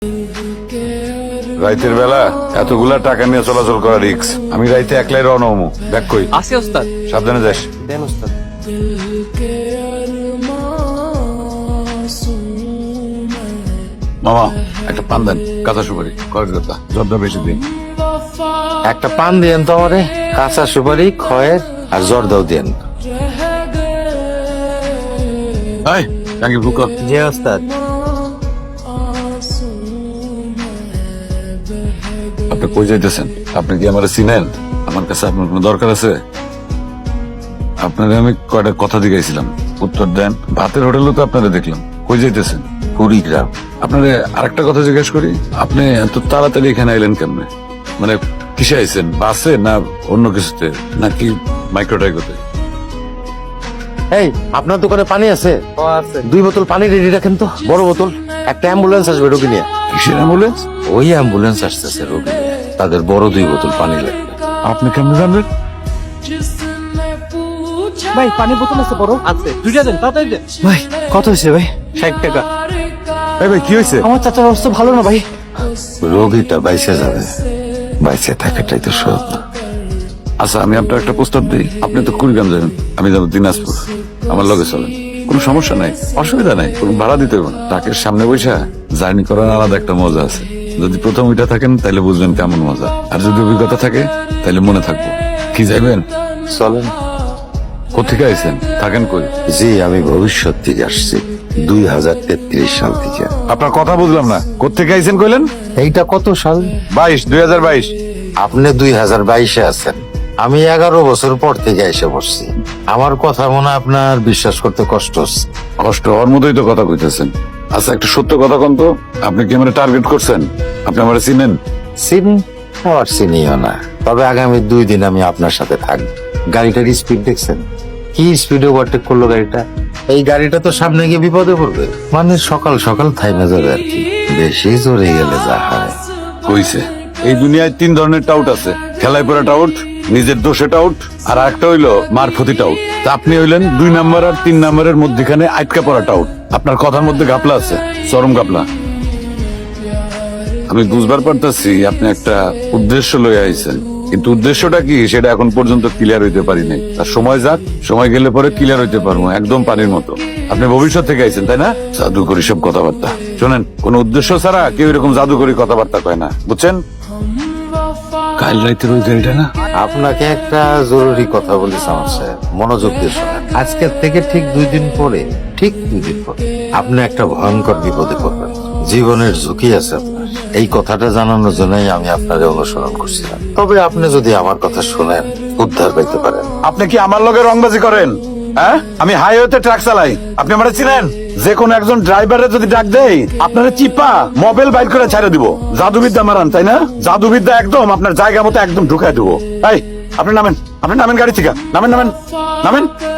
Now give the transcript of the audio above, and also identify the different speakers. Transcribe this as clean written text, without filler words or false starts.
Speaker 1: রাইতের বেলা এতগুলা টাকা নিয়ে চলাচল করা রিক্স। আমি রাইতে একলাই রওনা হমু। ব্যাগ কই?
Speaker 2: আসি ওস্তাদ।
Speaker 1: সাবধানে যাস।
Speaker 2: দেন ওস্তাদ।
Speaker 1: মামা একটা পান দেন, কাঁচা সুপারি, খরচ কথা, জর্দা বেশি দিন।
Speaker 3: একটা পান দিয়েন তো আমারে, কাঁচা সুপারি, খয়ের আর জর্দাও দিয়েন।
Speaker 1: এই টাঙ্কি বুক কর।
Speaker 3: জি ওস্তাদ।
Speaker 1: আপনি কই যাইতেছেন? আপনি কি আমার চিনেন? আমার কাছে আপনার কোনো দরকার আছে? আপনারে আমি কয়টা কথা জিজ্ঞাসিলাম, উত্তর দেন। ভাতের হোটেলে তো আপনারা দেখলাম। কই যাইতেছেন?
Speaker 3: কুড়িগ্রাম।
Speaker 1: আপনারে আরেকটা কথা জিজ্ঞেস করি, আপনি এত তাড়াতাড়ি এখানে আইলেন কেমনে? মানে কিসে আইছেন? বাসে না অন্য কিছুতে, নাকি মাইক্রোটাইকোতে?
Speaker 3: এই আপনার দোকানে পানি আছে?
Speaker 2: ও আছে।
Speaker 3: 2 বোতল পানি রেডি রাখেন তো, বড় বোতল। একটা অ্যাম্বুলেন্স আসবে রোগী নিয়ে।
Speaker 1: কিসের অ্যাম্বুলেন্স?
Speaker 3: ওই অ্যাম্বুলেন্স আসতেছে রোগী নিয়ে, তাদের বড় 2 বোতল পানি লাগবে।
Speaker 1: আপনি কেমনে জানবেন?
Speaker 2: ভাই পানি বোতল আছে বড়? আছে। দুইটা দেন, তাড়াতাড়ি দেন।
Speaker 3: ভাই কত হয়েছে ভাই?
Speaker 2: 60 টাকা।
Speaker 1: এই ভাই কি হয়েছে?
Speaker 2: আমার চাচার অবস্থা ভালো না ভাই।
Speaker 3: রোগীটা বাইসে যাবে, বাইসে থাকাটাই তো সব।
Speaker 1: আচ্ছা আমি আপনার একটা প্রস্তাব দিই। আপনি তো কুড়িগ্রাম যাবেন, আমি যাবো দিনাজপুর। আমার লগে চলেন, কোনো সমস্যা নাই, অসুবিধা নাই, কোনো ভাড়া দিতে হবে না। ট্রাকের সামনে বসে জার্নি করার আলাদা একটা মজা আছে। যদি প্রথম ওইটা থাকেন তাহলে বুঝবেন কেমন মজা, আর যদি অভিজ্ঞতা থাকে তাহলে মনে থাকবো। কি যাইবেন?
Speaker 3: চলেন।
Speaker 1: কোথেকে আইছেন? থাকেন কই?
Speaker 3: জি আমি ভবিষ্যৎ থেকে আসছি, 2033 সাল থেকে।
Speaker 1: আপনার কথা বুঝলাম না, কোথেকে আইছেন কইলেন?
Speaker 3: এইটা কত সাল?
Speaker 1: 2022।
Speaker 3: আপনি 2022-এ আছেন, আমি 11 বছর পর থেকে এসে বসছি। আমার কথা মনে হয় আপনার বিশ্বাস করতে কষ্ট হচ্ছে।
Speaker 1: কষ্ট হওয়ার মতোই তো কথা কইতেছেন। আচ্ছা একটা সত্য কথা কোন তো, আপনি কি আমার টার্গেট করছেন? আপনি আমার চিনেন?
Speaker 3: চিনি আবার চিনিও না, তবে আগামী 2 দিন আমি আপনার সাথে থাকবো। গাড়িটার স্পিড দেখছেন? কি স্পিডে ওভারটেক করলো গাড়িটা! এই গাড়িটা তো সামনে গিয়ে বিপদে পড়বে। মানে সকাল সকাল থাইমে যাবে আর কি, বেশি জোরে গেলে যা হয়।
Speaker 1: হইছে। এই দুনিয়ায় 3 ধরনের টাউট আছে, খেলায় পড়া টাউট, নিজের দোষে টাউট, আর একটা হইলো মারফতি টাউট। তা আপনি হইলেন 2 নাম্বার আর 3 নাম্বারের মধ্যখানে আটকা পড়া টাউট। আপনার কথার মধ্যে গাপলা আছে, চরম গাপলা। আমি বুঝবার পারতাছি আপনি একটা উদ্দেশ্য লইয়া আইছেন, কিন্তু উদ্দেশ্যটা কি সেটা এখন পর্যন্ত ক্লিয়ার হইতে পারি নাই। আর সময় যাক, সময় গেলে পরে ক্লিয়ার হইতে পারবো, একদম পানির মতো। আপনি ভবিষ্যৎ থেকে আইছেন তাই না? জাদুকরি সব কথাবার্তা শোনেন, কোন উদ্দেশ্য ছাড়া কেউ এরকম জাদুকরি কথাবার্তা কয় না, বুঝছেন? কাল রাইতের ওই গাড়িটা না?
Speaker 3: আপনাকে একটা জরুরি কথা বলি আমার সাহেব, মনোযোগ দিয়ে শোনেন। আজকের থেকে ঠিক 2 দিন পরে, ঠিক 2 দিন পরে আপনি একটা ভয়ঙ্কর বিপদে পড়বেন। জীবনের ঝুঁকি আছে আপনার। এই কথাটা জানানোর জন্যই আমি আপনারে অনুসরণ করছিলাম। তবে আপনি যদি আমার কথা শুনেন, উদ্ধার পাইতে পারেন।
Speaker 1: আপনি কি আমার লগে রংবাজি করেন? হ্যাঁ, আমি হাইওয়েতে ট্রাক চালাই, আপনি আমার চিনেন? যে কোনো একজন ড্রাইভারে যদি ডাক দেয়, আপনারা চিপা মোবাইল বাইর করে ছেড়ে দিব। জাদুবিদ্যা মারান তাই না? জাদুবিদ্যা একদম আপনার জায়গা মতো একদম ঢুকাই দিব। এই আপনি নামেন, আপনি নামেন গাড়ি থেকে, নামেন নামেন নামেন।